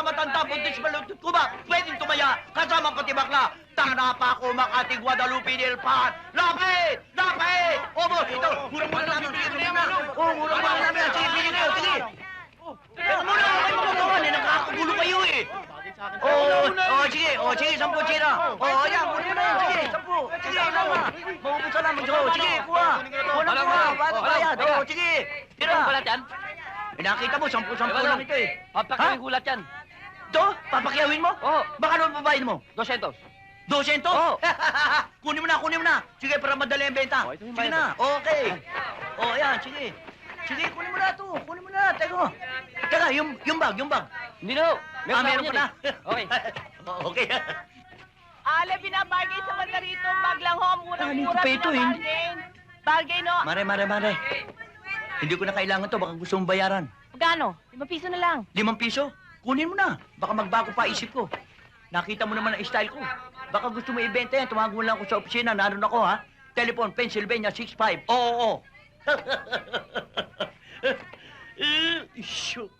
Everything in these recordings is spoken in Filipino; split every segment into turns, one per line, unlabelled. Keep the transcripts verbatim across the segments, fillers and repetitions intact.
matanda, buntis malutut ko ba? Pwedeng tumaya, kasama pati bakla. Tana pa ako makating Guadalupe del Pan. Lapit! Lapit! Obo, ito, murang-mura namin. Sige, murang na. Oo, murang-mura namin. Sige, sige kayo, sige. Teka muna, kayo magagawan eh. Nakakagulo kayo eh. Oo, oo, sige, oo, sige, sampu, tira. Oo, ayan, muna na yan, sige, sampu. Sige, sama. Maubusan namin, sige, sige, kuha. Kuha na kuha, ba't bayad? Oo, sige, tira.
Ano gulat yan?
Eh, nakita mo, sampu-sampu lang ito eh.
Papakawin gulat yan.
Ito? Papakyawin mo?
Oo.
Baka naman babayin mo?
Dosentos.
Dosento?
Oo.
Kunin mo na, kunin mo na. Sige, para madali ang benta.
Oh, ito yung
Sige
bayad.
na, okay. O, oh, ayan, sige. Sige, kunin mo na ito. Kunin mo na, teka. Teka, yung, yung bag, yung bag.
Hindi na. Meron
Ah,
pa
meron
ako
pa na.
yan eh. Okay.
Oh, okay.
Ale, binabagay sa banda rito. Bag lang ho, murang-mura.
Ano pa ito, eh?
Bargain. Bargain, no?
Mare, mare, mare. Hindi ko na kailangan to, baka gusto mong bayaran.
Magkano? Limang piso na lang.
Limang piso? Kunin mo na. Baka magbago pa isip ko. Nakita mo naman ang style ko. Baka gusto mo ibenta yan. Tumawag mo lang ako sa opisina. Naroon ako, ha? Telephone, Pennsylvania, six five. Oo, oo. Shoot.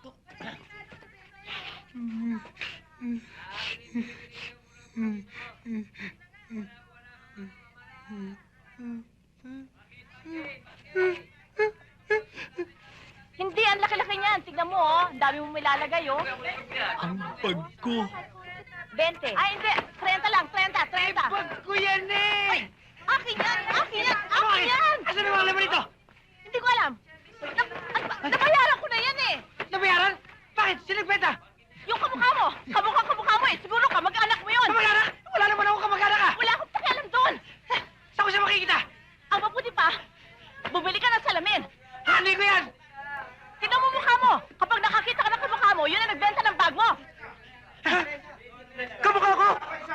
Hindi, ang laki-laki niyan. Tignan mo, oh. Ang dami mong ilalagay, oh.
Ang bag ko.
Bente. Ay, hindi. Trenta lang. Trenta, trenta.
Bag ko yan, eh!
Akin yan! Akin yan! Akin yan!
Asan ang mga laman ito?
Hindi ko alam. Na, na, nabayaran ko na yan, eh.
Nabayaran? Bakit? Sinagbenta?
Yung kamukha mo. Kamukha kamukha mo, eh. Siguro kamag-anak mo yun.
Kamag-anak? Wala naman ako kamag-anak, ah!
Wala akong pakialam doon.
Saan ko siya makikita?
Ang mabuti pa, bumili ka ng salamin.
Hindi ko yan!
Tignan mo mukha mo. Kapag nakakita ka ng kamukha mo, yun ang nagbenta ng bag mo.
Kamukha ko!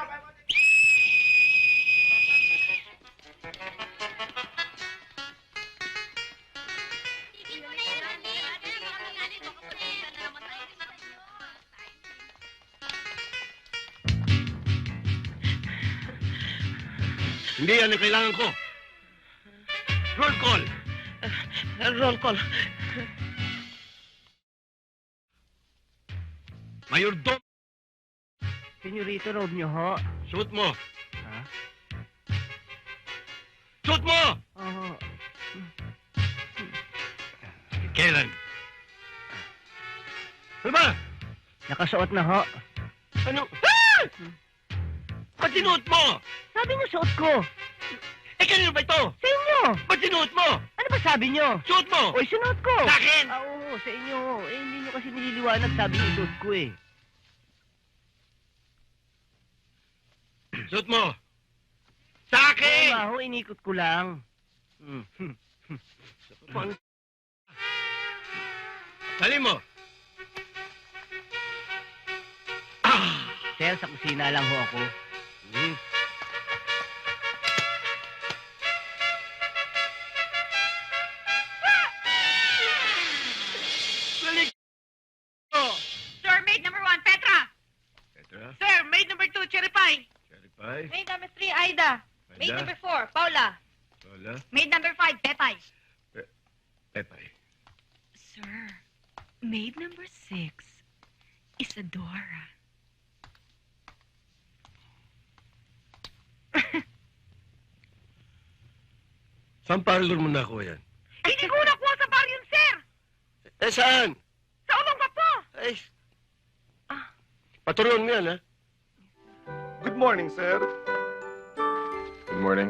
Hindi yan ang kailangan ko. Roll call.
Roll call.
Mayordom.
Senyorito, road niyo, ho.
Shoot mo.
Ha?
Shoot mo!
Oo.
Kailan? Ano ba?
Nakasuot na, ho.
Ano? Ah! Ba't sinuot mo?
Sabi niyo, suot ko.
Eh, kanino ba ito?
Sa inyo.
Ba't sinuot mo?
Ano ba sabi niyo?
Suot mo!
Oy, sunuot ko.
Sa akin!
Ah, oo, sa inyo. Eh, hindi niyo kasi nililiwanag. Sabi niyo, suot ko, eh.
Suot mo! Sa
Oo
akin!
nga, ho, inikot ko lang. Hmm.
Pang... Dali mo! Ah!
Sir, sa kusina lang ho ako.
Hmm. Balik! Oh!
Sir, maid number one, Petra.
Petra?
Sir, maid number two, Cherry Pie.
Cherry pie?
Maid number three, Aida. Maid
Aida?
number four, Paula.
Lola?
Maid number five, Pepay.
Pepay.
Sir, maid number six, Isadora.
Saan parlor mo nakuha yan?
Hindi ko nakuha sa bar yun, sir.
Eh, saan?
Sa ulong ka po.
Ay, paturuan mo yan, ha?
Good morning, sir. Good morning.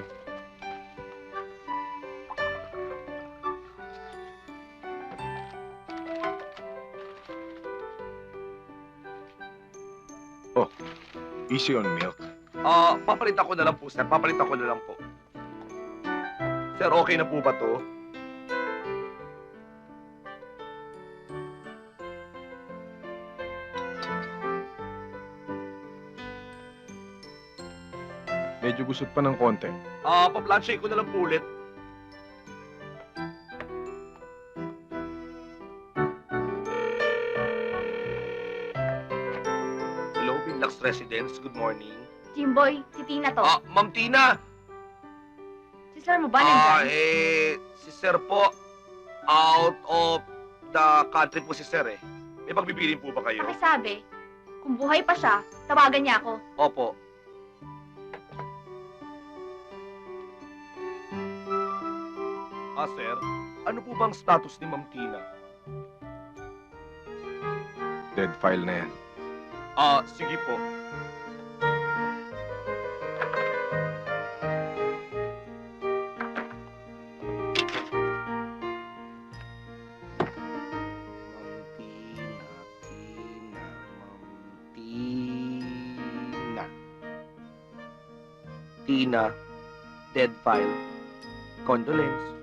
Oh, easy on milk.
Ah, papalitan ko na lang po, sir. Papalitan ko na lang po. Sir, okay na po ba to?
Medyo gusot pa ng konti.
Ah, pa-planche ko na lang po ulit. Hello, Binlax Residence. Good morning.
Jimboy, si Tina to.
Ah, Ma'am Tina.
Si sir mo ba
Ah,
nandyan?
eh, si Sir po, out of the country po si Sir eh. May pagbibilin po ba kayo?
Pakisabi, Kung buhay pa siya, tawagan niya ako.
Opo. Ah, sir, ano po bang status ni Ma'am Tina?
Dead file na yan.
Ah, sige po. Ma'am Tina, Tina, Ma'am Tina. Tina, dead file. Condolence.